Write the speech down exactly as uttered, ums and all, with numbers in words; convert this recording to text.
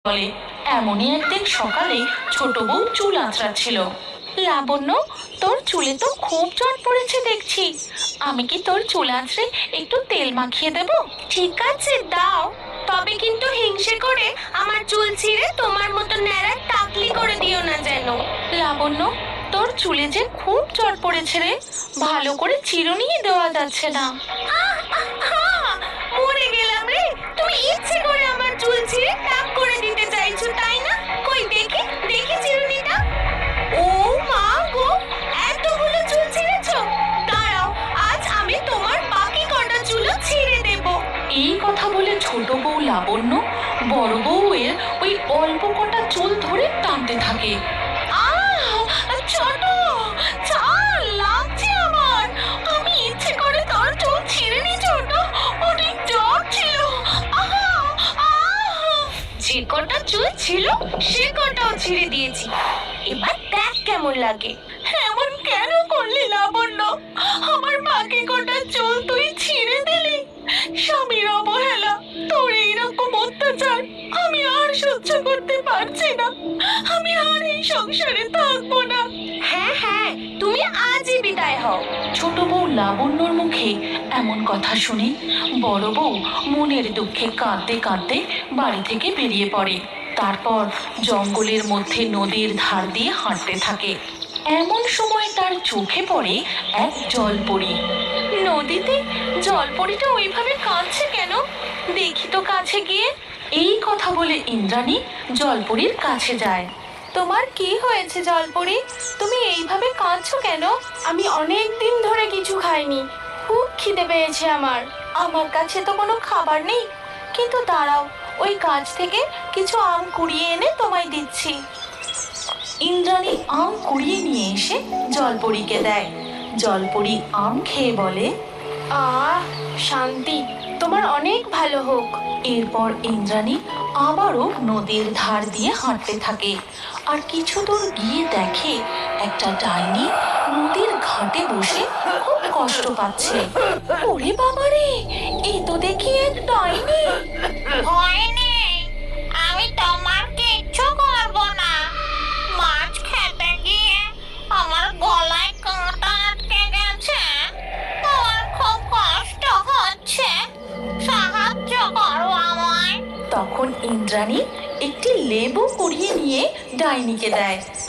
বলে এমনই একদিন সকালে ছোট বউ চুল আঁচড়াচ্ছিল। লাবণ্য, তোর চুলে তো খুব জট পড়েছে দেখছি, আমি কি তোর চুল আঁচড়ে একটু তেল মাখিয়ে দেব? ঠিক আছে, দাও। তবে কিন্তু হিংসে করে আমার চুল ছিঁড়ে তোমার মতো ন্যাড়া টাকলি করে দিও না যেন। লাবণ্য, তোর চুলে যে খুব জট পড়েছে রে, ভালো করে চিরুনিই দেওয়া যাচ্ছে না। আহ, আহ, মরে গেলাম রে। তুমি ইচ্ছে করে আমার চুল ছিঁড়ে টাক করে দিতে চাইছো, তাই না? কই দেখি দেখি চিরুনিটা। ও মা গো, এতগুলো চুল ছিঁড়েছো! দাঁড়াও, আজ আমি তোমার বাকি কটা চুলও ছিঁড়ে দেব। এই কথা বলে ছোট বউ লাবণ্য বড় বউয়ের ওই অল্প কটা চুল ধরে টানতে থাকে। আহ, ছোট, ছাড়, লাগছে আমার। আমি ইচ্ছে করে তোর চুল ছিঁড়ে নি ছোট, অনেক জ্বর ছিল। আহা, আহ! যে কটা চুল ছিল সে কটাও ছিঁড়ে দিয়েছি, এবার দেখ কেমন লাগে। এমন কেন করলি লাবণ্য? আমার বাকি কটা চুল তুই ছিঁড়ে দিলি। স্বামীর অবহেলা, তোর এইরকম অত্যাচার আমি আর সহ্য করতে পারছি না। আমি আর এই সংসারে থাকবো না। হ্যাঁ হ্যাঁ, তুমি আজই বিদায় হও। ছোট বউ লাবণ্যর মুখে এমন কথা শুনে বড় বউ মনের দুঃখে কাঁদতে কাঁদতে বাড়ি থেকে বেরিয়ে পড়ে। তারপর জঙ্গলের মধ্যে নদীর ধার দিয়ে হাঁটতে থাকে। এমন সময় তার চোখে পড়ে এক জলপরি। নদীতে জলপরিটা ওইভাবে কাঁদছে কেন, দেখি তো কাছে গিয়ে। এই কথা বলে ইন্দ্রাণী জলপরির কাছে যায়। তোমার কি হয়েছে জলপরি, তুমি এইভাবে কাঁদছো কেন? আমি অনেক দিন ধরে কিছু খাইনি, খুব খিদে পেয়েছে আমার। আমার কাছে তো কোনো খাবার নেই, কিন্তু দাঁড়াও, ওই গাছ থেকে কিছু আম কুড়িয়ে এনে তোমায় দিচ্ছি। ইন্দ্রাণী আম কুড়িয়ে নিয়ে এসে জলপরীকে দেয়। জলপরি আম খেয়ে বলে, আহ, শান্তি, তোমার অনেক ভালো হোক। এরপর ইন্দ্রাণী আবারও নদীর ধার দিয়ে হাঁটতে থাকে। আর কিছু দূর গিয়ে দেখে একটা ডাইনি নদীর ঘাটে বসে খুব কষ্ট পাচ্ছে। ওরে বাবারে, এ তো দেখি এক ডাইনি। ভয় নেই, আমি তোমার কিচ্ছু করবো না। মাছ খেতে গিয়ে আমার গলায় কাঁটা আটকে গেছে, আমার খুব কষ্ট হচ্ছে, সাহায্য করো আমায়। তখন ইন্দ্রাণী একটি লেবু কুড়িয়ে নিয়ে ডাইনিকে দেয়।